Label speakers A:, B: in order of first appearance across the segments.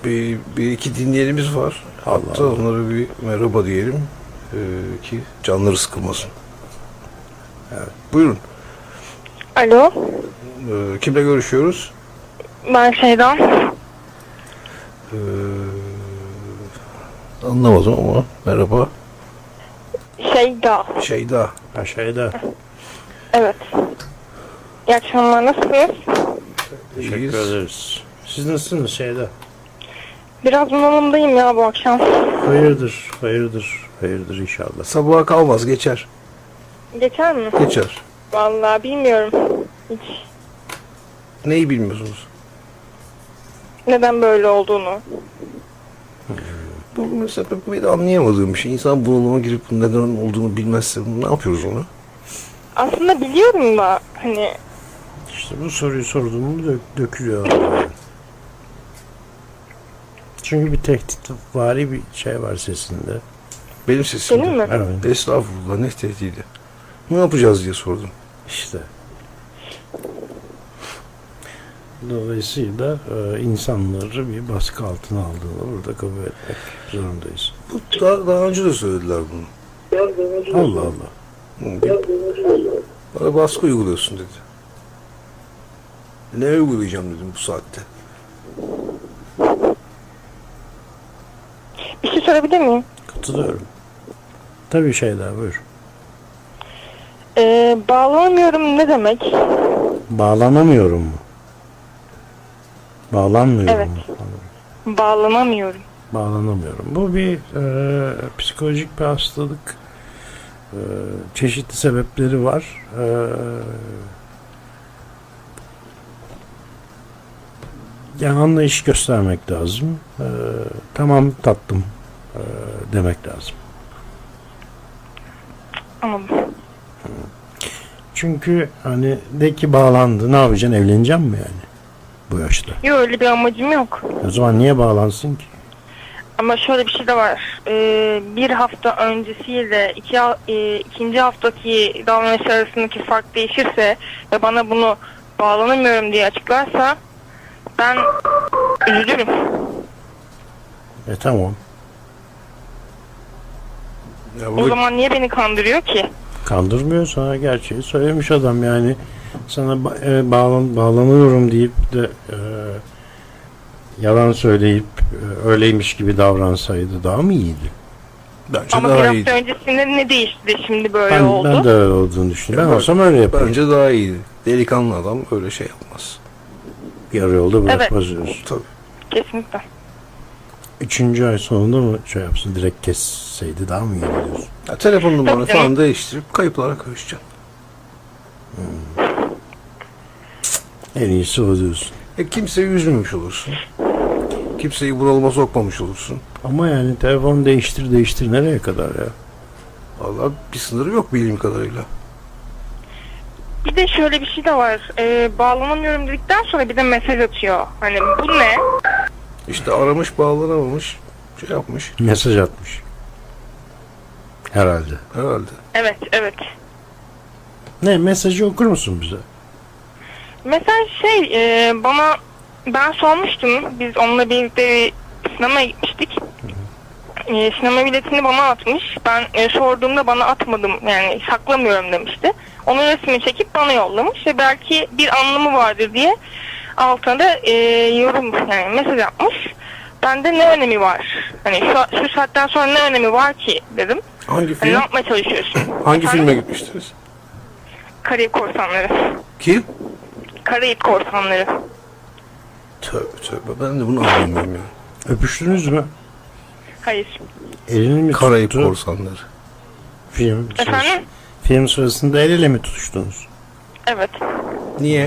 A: Bir iki dinleyenimiz var. Hatta
B: Allah.
A: onlara bir merhaba diyelim ki canları sıkılmasın. Evet. Buyurun.
C: Alo,
A: Kimle görüşüyoruz?
C: ben Şeyda.
A: Anlamadım ama merhaba.
C: Şeyda,
A: Şeyda.
B: Aşağıda.
C: evet. İyi akşamlar, nasılsınız?
B: Teşekkür
A: İyiyiz.
B: ederiz. Siz nasılsınız Şeyda?
C: Biraz bunalımdayım ya bu akşam.
B: Hayırdır, hayırdır, hayırdır inşallah.
A: Sabaha kalmaz, geçer.
C: Geçer mi?
A: Geçer.
C: Vallahi bilmiyorum. Hiç
A: Neyi bilmiyorsunuz?
C: neden böyle olduğunu.
A: Bu mesela benim anlayamadığım bir şey. İnsan bunalıma girip bunun neden olduğunu bilmezse ne yapıyoruz onu?
C: Aslında biliyorum da hani
B: İşte bu soruyu sorduğumu dökülüyor. Yani. Çünkü bir tehditvari bir şey var sesinde.
A: Benim sesim.
C: senin mi?
B: Evet.
A: Estağfurullah, ne tehdidi. Ne yapacağız diye sordum.
B: İşte. Dolayısıyla insanları bir baskı altına aldığını burada kabul etmek zorundayız.
A: Bu daha önce de söylediler bunu.
B: Allah Allah.
A: Bana baskı uyguluyorsun dedi. Ne uygulayacağım dedim bu saatte.
C: Bir şey sorabilir miyim?
B: Katılıyorum. Tabii Şeyda buyur.
C: Bağlanamıyorum ne demek?
B: Bağlanamıyorum mu? Bağlanmıyorum
C: Evet.
B: mu?
C: Bağlanamıyorum.
B: Bağlanamıyorum. Bu bir psikolojik bir hastalık. Çeşitli sebepleri var. Yani anlayış göstermek lazım. Tamam tatlım demek lazım.
C: Anladım.
B: Çünkü hani de ki bağlandı, ne yapacaksın, evleneceksin mi yani bu yaşta?
C: Yok, öyle bir amacım yok.
B: O zaman niye bağlansın ki?
C: Ama şöyle bir şey de var. Bir hafta öncesiyle ikinci haftaki davranış arasındaki fark değişirse ve bana bunu bağlanamıyorum diye açıklarsa ben üzülürüm.
B: Tamam.
A: Ya
C: O
A: burada
C: zaman niye beni kandırıyor ki?
B: Kandırmıyor, sana gerçeği söylemiş adam yani. Sana bağlanıyorum deyip de yalan söyleyip öyleymiş gibi davransaydı daha mı iyiydi?
A: bence
C: Ama bir
A: daha
C: hafta
A: iyiydi.
C: öncesinde ne değişti de şimdi böyle
B: Ben
C: oldu?
B: de öyle olduğunu düşünüyorum. Ben
A: Ya
B: olsam öyle yaparım.
A: Bence daha iyiydi. Delikanlı adam öyle şey yapmaz.
B: Yarı yolda bırakmaz diyorsun.
A: Tabii.
C: Kesinlikle.
B: 3. ay sonunda mı şey yapsın, direkt kesseydi daha mı iyi diyorsun?
A: Ya, telefon numaranı
C: Tabii
A: falan değiştirip kayıplara karışacaksın.
B: En iyisi o diyorsun.
A: Kimseyi üzmemiş olursun. Kimseyi bunalıma sokmamış olursun.
B: Ama yani telefon değiştir nereye kadar ya?
A: Vallahi bir sınırı yok bildiğim kadarıyla.
C: Bir de şöyle bir şey de var. Bağlanamıyorum dedikten sonra bir de mesaj atıyor. Hani bu ne?
A: İşte aramış, bağlanamamış, şey yapmış
B: Mesaj atmış. Herhalde.
A: herhalde.
C: Evet, evet.
B: Ne, mesajı okur musun bize?
C: Mesaj bana, ben sormuştum. Biz onunla birlikte sinemaya gitmiştik. Sinema biletini bana atmış. Ben sorduğumda bana atmadım, yani saklamıyorum demişti. Onun resmini çekip bana yollamış ve belki bir anlamı vardır diye altına da yorum, yani mesaj atmış. Bende ne önemi var? Hani şu saatten sonra ne önemi var ki dedim.
A: Hangi
C: Hani
A: film?
C: ne yapmaya çalışıyorsun?
A: Hangi
C: Efendim?
A: filme gitmiştiniz?
C: Karayip Korsanları.
A: Kim?
C: Karayip Korsanları.
A: Tövbe tövbe, ben de bunu anlamıyorum ya.
B: Öpüştünüz mü?
C: Hayır.
B: Elini mi
A: Karayip
B: tuttu?
A: Korsanları.
B: Film sırası-
C: Efendim?
B: Film sırasında el ele mi tutuştunuz?
C: Evet.
A: Niye?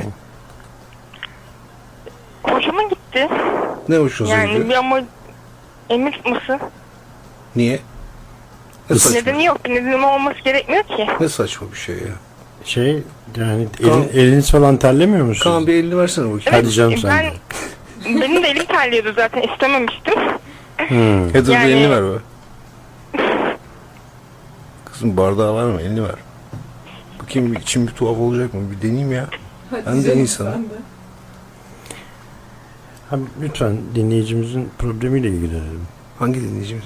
C: Hoşuma gitti.
A: Ne hoşunuza
C: Yani
A: gidiyor?
C: bir ama emir tutması.
A: Niye? Ne saçma,
C: Nedeni yok. Bir nedeni olması gerekmiyor ki.
A: ne saçma bir şey ya.
B: Şey yani
A: Kaan-
B: eliniz falan terlemiyor musunuz?
A: Kaan bir elini versene bakayım.
B: Hadi canım sen de.
C: Benim de elim terliyordu zaten, istememiştim.
A: Heather
C: Yani-
A: bir elini ver be. Kızım bardağı var mı? Elini ver. Bakayım içim bir tuhaf olacak mı? Bir deneyeyim ya. Ben de insanım.
B: Hem lütfen dinleyicimizin problemiyle ilgilenelim.
A: Hangi dinleyicimiz?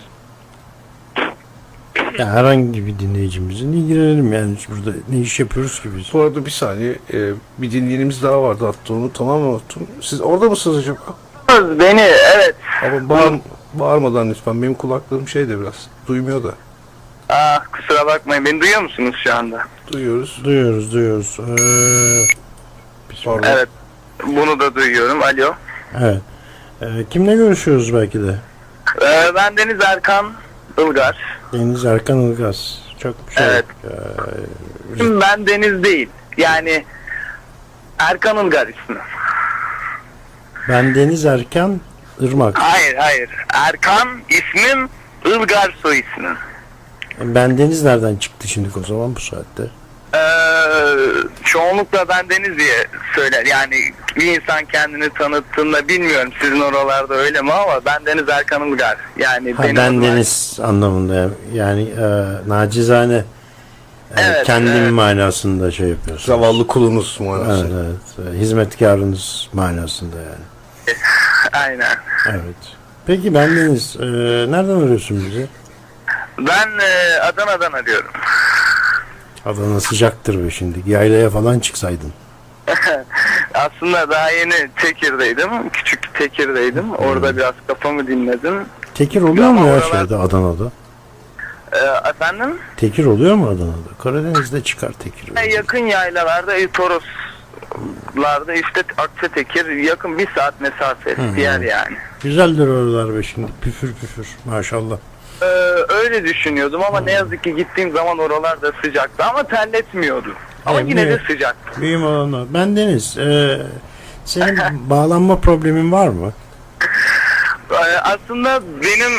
B: Ya herhangi bir dinleyicimizin ilgilenelim yani burada ne iş yapıyoruz ki biz?
A: Bu arada bir saniye, bir dinleyenimiz daha vardı, hatta onu tamamen unuttum. Siz orada mısınız acaba?
D: Beni, evet.
A: Ama bağırmadan lütfen, benim kulaklığım şeyde biraz duymuyor da.
D: Kusura bakmayın, beni duyuyor musunuz şu anda?
A: Duyuyoruz.
B: Duyuyoruz.
A: Pardon.
D: Evet, bunu da duyuyorum. Alo.
B: Evet. Kimle görüşüyoruz belki de?
D: Ben Deniz Erkan Ilgar.
B: Deniz Erkan Ilgaz. Çok şey.
D: Evet. Ben Deniz değil. Yani Erkan Ilgar ismi.
B: Ben Deniz Erkan Irmak.
D: Hayır. Erkan ismim, Ilgar soy ismim.
B: Ben Deniz nereden çıktı şimdi o zaman bu saatte?
D: Çoğunlukla ben Deniz diye söyler. Yani bir insan kendini tanıttığında, bilmiyorum sizin oralarda öyle mi, ama ben Deniz Erkan Ilgar. Yani
B: Ha,
D: benim
B: ben
D: adım
B: Deniz anlamında yani nacizane
D: Evet,
B: kendim
D: evet.
B: manasında şey yapıyorsunuz.
A: Zavallı kulunuz manası.
B: Evet. Hizmetkarınız manasında yani.
D: Aynen.
B: Evet. Peki ben Deniz nereden arıyorsun bizi?
D: Ben Adana'dan arıyorum.
B: Adana sıcaktır be şimdi. Yaylaya falan çıksaydın.
D: Aslında daha yeni Tekir'deydim. Küçük Tekir'deydim. Orada biraz kafamı dinledim.
B: Tekir oluyor mu
D: Ama
B: ya
D: oralar-
B: şeyde Adana'da?
D: Efendim?
B: Tekir oluyor mu Adana'da? Karadeniz'de çıkar tekir.
D: Yakın yaylalarda, Toroslarda işte Akçatekir, yakın 1 saat mesafe bir yer yani.
B: Güzeldir oralar be şimdi. Püfür püfür maşallah.
D: Öyle düşünüyordum ama ne yazık ki gittiğim zaman oralarda sıcaktı ama terletmiyordu. Ama
B: Evet,
D: yine de
B: evet.
D: sıcaktı.
B: Mühim olan o. Ben Deniz. Senin bağlanma problemin var mı?
D: Aslında benim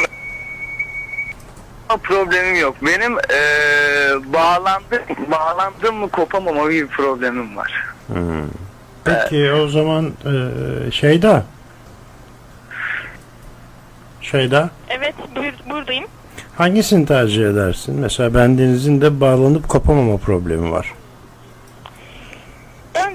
D: problemim yok. Benim bağlandım mı kopamama bir problemim var.
B: Peki o zaman Şeyda.
C: Evet, buradayım.
B: Hangisini tercih edersin? Mesela ben Deniz'in de bağlanıp kopamama problemi var.
C: Ben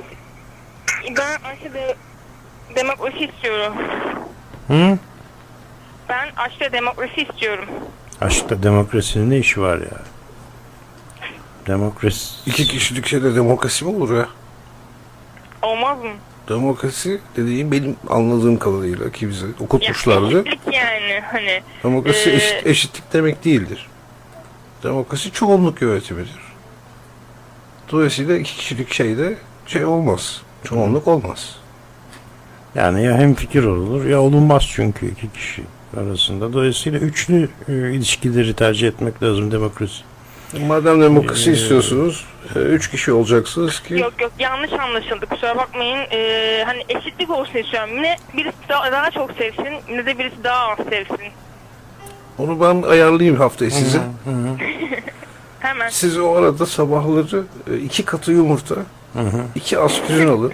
C: aşırı demokrasi istiyorum.
B: Hı?
C: Ben aşırı demokrasi istiyorum.
B: Aşkta demokrasinin ne işi var ya? Demokrasi...
A: 2 kişilik şeyde demokrasi mi olur ya?
C: Olmaz mı?
A: Demokrasi dediğim, benim anladığım kadarıyla ki bize okutmuşlardı.
C: Eşitlik yani hani.
A: Demokrasi eşitlik demek değildir. Demokrasi çoğunluk yönetimidir. Dolayısıyla 2 kişilik şeyde şey olmaz. Çoğunluk olmaz.
B: Yani ya hemfikir olur ya olunmaz çünkü iki kişi arasında. Dolayısıyla üçlü ilişkileri tercih etmek lazım demokrasi.
A: Madem demokrasi istiyorsunuz, 3 kişi olacaksınız ki
C: Yok yanlış anlaşıldı, kusura bakmayın. Hani eşitlik olsun istiyorum. Yine birisi daha çok sevsin, yine de birisi daha az sevsin.
A: onu ben ayarlayayım haftaya size.
C: Hemen.
A: Siz o arada sabahları 2 katı yumurta, 2 aspirin alın.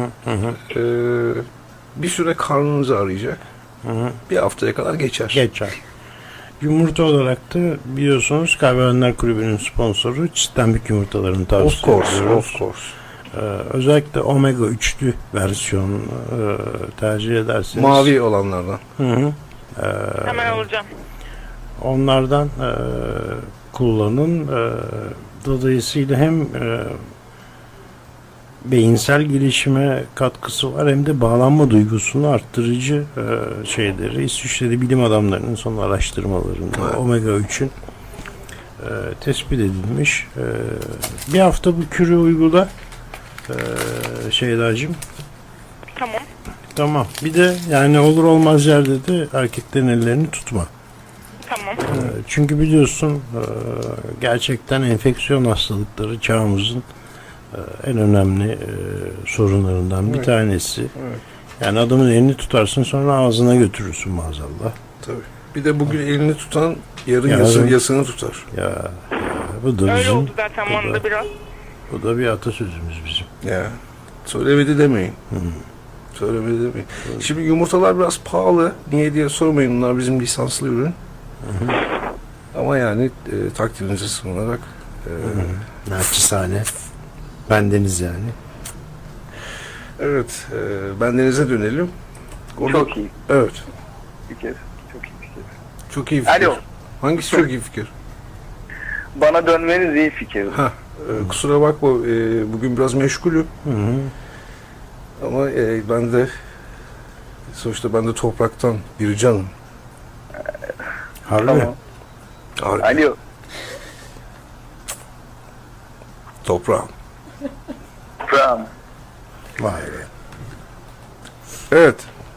A: Bir süre karnınızı arayacak. Bir haftaya kadar geçer.
B: Geçer. Yumurta olarak da biliyorsunuz Kahvehaneler Kulübü'nün sponsoru Çitlenbik yumurtalarını tavsiye ediyoruz.
A: Of course.
B: Özellikle omega 3'lü versiyon tercih ederseniz.
A: Mavi olanlardan.
C: Hemen alacağım.
B: Onlardan kullanın. Dolayısıyla hem beyinsel gelişime katkısı var hem de bağlanma duygusunu arttırıcı şeyleri İsviçre'de bilim adamlarının son araştırmalarında omega 3'ün tespit edilmiş. Bir hafta bu kürü uygula Şeydacığım.
C: Tamam.
B: Tamam. Bir de yani olur olmaz yerde de erkeklerin ellerini tutma.
C: Tamam.
B: Çünkü biliyorsun gerçekten enfeksiyon hastalıkları çağımızın en önemli sorunlarından bir tanesi. Yani adamın elini tutarsın sonra ağzına götürürsün maazallah.
A: Tabii. Bir de bugün elini tutan yarın yasını tutar.
B: Ya bu da
C: Öyle
B: bizim,
C: oldu zaten bana da biraz.
B: bu da bir atasözümüz bizim.
A: Ya. Söylemedi demeyin. Söylemedi demeyin. Şimdi yumurtalar biraz pahalı. Niye diye sormayın. Bunlar bizim lisanslı ürün. Ama yani takdirinize sığınarak
B: Naçizane. Bendeniz yani.
A: evet, bendenize dönelim. Orada-
D: Çok iyi
A: Evet.
D: fikir. Çok iyi fikir.
A: Çok iyi fikir.
D: Alo.
A: Hangisi çok iyi fikir?
D: Bana dönmeniz iyi fikir.
A: Ha, kusura bakma, bugün biraz meşgulüm.
B: Hı hı.
A: Ama sonuçta ben de topraktan bir canım.
B: Harbi.
D: Tamam. Alo.
A: Toprağım.
D: Tamam.
B: Vay be.
A: Evet.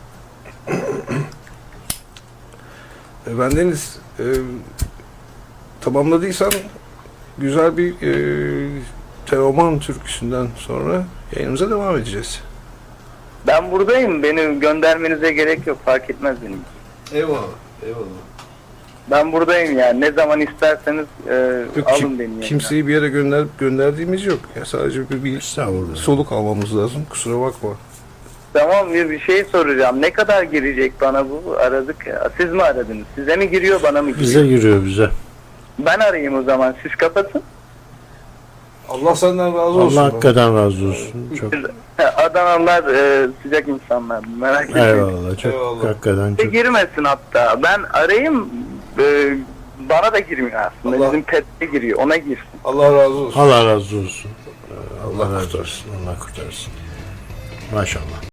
A: Bendeniz tamamladıysan güzel bir Teoman türküsünden sonra yayınımıza devam edeceğiz.
D: Ben buradayım. Beni göndermenize gerek yok. Fark etmez benim.
A: Eyvallah. Eyvallah.
D: Ben buradayım yani. Ne zaman isterseniz alın beni. Yani.
A: Kimseyi bir yere gönderdiğimiz yok. Ya sadece bir
B: Estağfurullah.
A: soluk almamız lazım. Kusura bakma.
D: Tamam, bir şey soracağım. Ne kadar girecek bana bu? Aradık ya. Siz mi aradınız? Size mi giriyor, bana mı giriyor?
B: Bize giriyor bize.
D: Ben arayayım o zaman. Siz kapatın.
A: Allah senden razı olsun.
B: Allah hakikaten razı olsun. Çok
D: Adanalılar sıcak insanlar. Merak etmeyin.
B: eyvallah. Çok
A: Eyvallah.
B: hakikaten çok.
D: Girmesin hatta. Ben arayayım. Bana da girmiyor aslında.
A: Allah-
D: Bizim pet'e giriyor. Ona girsin.
A: Allah razı olsun.
B: Allah razı olsun. Allah
A: Allah
B: razı olsun. Allah kurtarsın. Maşallah.